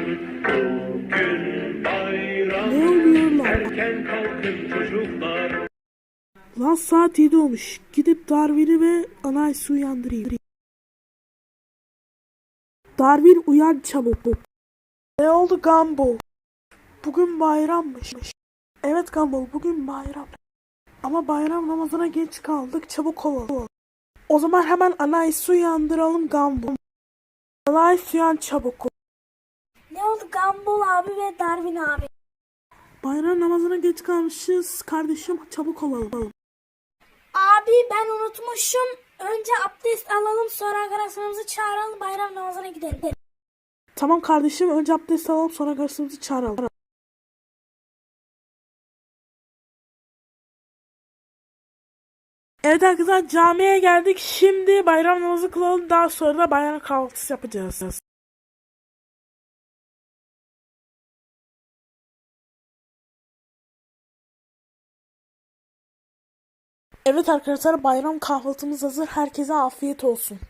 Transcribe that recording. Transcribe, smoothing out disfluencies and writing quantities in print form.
Bugün bayram. Ne oluyor lan? Erken kalkın çocuklar. Lan saat 7 olmuş. Gidip Darwin'i ve Anais'i uyandırayım. Darwin uyan çabuk. Ne oldu Gumball? Bugün bayrammış. Evet Gumball, bugün bayram. Ama bayram namazına geç kaldık, çabuk olalım. O zaman hemen Anais'i uyandıralım Gumball. Anais uyan çabuk. Ne oldu Gumball abi ve Darwin abi? Bayram namazına geç kalmışız kardeşim, çabuk olalım. Abi ben unutmuşum. Önce abdest alalım, sonra arkadaşlarımızı çağıralım, bayram namazına gidelim. Tamam kardeşim, önce abdest alalım sonra kardeşimizi çağıralım. Evet arkadaşlar, camiye geldik. Şimdi bayram namazı kılalım, daha sonra da bayram kahvaltısı yapacağız. Evet arkadaşlar, bayram kahvaltımız hazır. Herkese afiyet olsun.